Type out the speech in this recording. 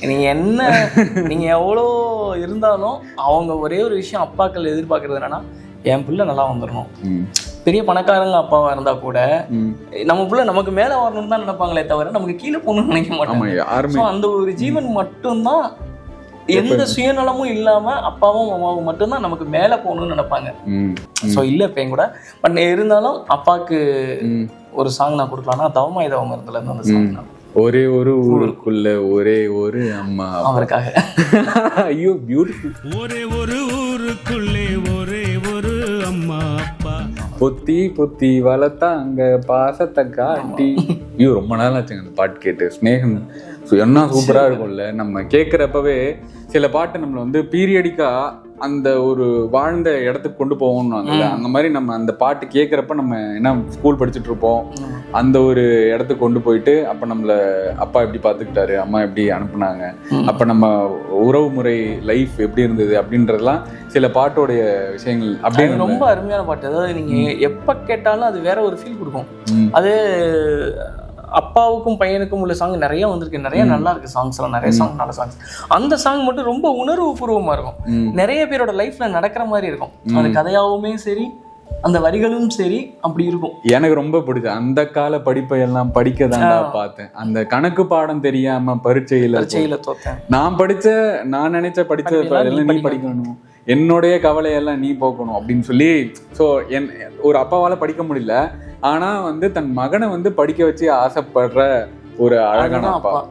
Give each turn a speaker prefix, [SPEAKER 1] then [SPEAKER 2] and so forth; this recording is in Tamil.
[SPEAKER 1] நீங்க என்ன நீங்க எவ்வளோ இருந்தாலும் அவங்க ஒரே ஒரு விஷயம் அப்பாக்கள் எதிர்பார்க்கறது என்னன்னா, என் பிள்ளை நல்லா வந்துடணும். பெரிய பணக்காரங்க அப்பாவா இருந்தா கூட நம்ம பிள்ளை நமக்கு மேல வரணும்னு தான் நினைப்பாங்களே தவிர நமக்கு கீழே போகணும்னு நினைக்க மாட்டாங்க. அந்த ஒரு ஜீவன் மட்டும்தான் எந்த சுயநலமும் இல்லாம அப்பாவும் அம்மாவும் மட்டும்தான் நமக்கு மேல போகணும்னு நினைப்பாங்க. ஸோ இல்லை இப்போ கூட பட் இருந்தாலும் அப்பாவுக்கு ஒரு சாங் நான் கொடுக்கலாம்னா தவமாய் தவம் இருந்ததுல இருந்து அந்த சாங் நான்
[SPEAKER 2] ஒரே ஒரு ஊருக்குள்ள ஒரே ஒரு அம்மா
[SPEAKER 1] அவருக்காக.
[SPEAKER 2] ஐயோ பியூட்டிஃபுல்.
[SPEAKER 3] ஒரே ஒரு ஊருக்குள்ளே ஒரே ஒரு அம்மா அப்பா
[SPEAKER 2] பொத்தி பொத்தி வளர்த்தாங்க பாசத்தை காட்டி. ஐயோ ரொம்ப நாள் ஆச்சுங்க அந்த பாட்டு கேட்டு. ஸ்நேகம் என்ன சூப்பரா இருக்கும்ல. நம்ம கேட்குறப்பவே சில பாட்டு நம்மளை வந்து பீரியடிக்கா அந்த ஒரு வாழ்ந்த இடத்துக்கு கொண்டு போவோம்னாங்கல்ல, அந்த மாதிரி நம்ம அந்த பாட்டு கேட்குறப்ப நம்ம என்ன ஸ்கூல் படிச்சுட்டு இருப்போம், அந்த ஒரு இடத்துக்கு கொண்டு போயிட்டு அப்போ நம்மளை அப்பா எப்படி பார்த்துக்கிட்டாரு, அம்மா எப்படி அனுப்புனாங்க, அப்போ நம்ம உறவு முறை லைஃப் எப்படி இருந்தது அப்படின்றதுலாம் சில பாட்டோடைய விஷயங்கள் அப்படின்னு
[SPEAKER 1] ரொம்ப அருமையான பாட்டு. அதாவது நீங்கள் எப்போ கேட்டாலும் அது வேற ஒரு ஃபீல் கொடுக்கும். அது அப்பாவுக்கும் பையனுக்கும் உள்ள சாங் நிறைய வந்திருக்கு, நிறைய நல்லா இருக்கு சாங்ஸ் எல்லாம், நிறைய சாங் நல்ல சாங்ஸ். அந்த சாங் மட்டும் ரொம்ப உணர்வு பூர்வமா இருக்கும், நிறைய பேரோட லைஃப்ல நடக்கிற மாதிரி இருக்கும். அது கதையாவுமே சரி அந்த வரிகளும் சரி அப்படி இருக்கும்.
[SPEAKER 2] எனக்கு ரொம்ப பிடிச்சது அந்த கால படிப்பை எல்லாம் படிக்க தான் பார்த்தேன். அந்த கணக்கு பாடம் தெரியாம பரீட்சையில
[SPEAKER 1] தோத்தேன்.
[SPEAKER 2] நான் நினைச்ச படிச்ச நீ படிக்கணும், என்னுடைய கவலையெல்லாம் நீ போக்கணும் அப்படின்னு சொல்லி. ஸோ ஒரு அப்பாவால படிக்க முடியல, ஆனா வந்து தன் மகனை வந்து படிக்க வச்சு ஆசைப்படுற ஒரு அழகான அப்பா.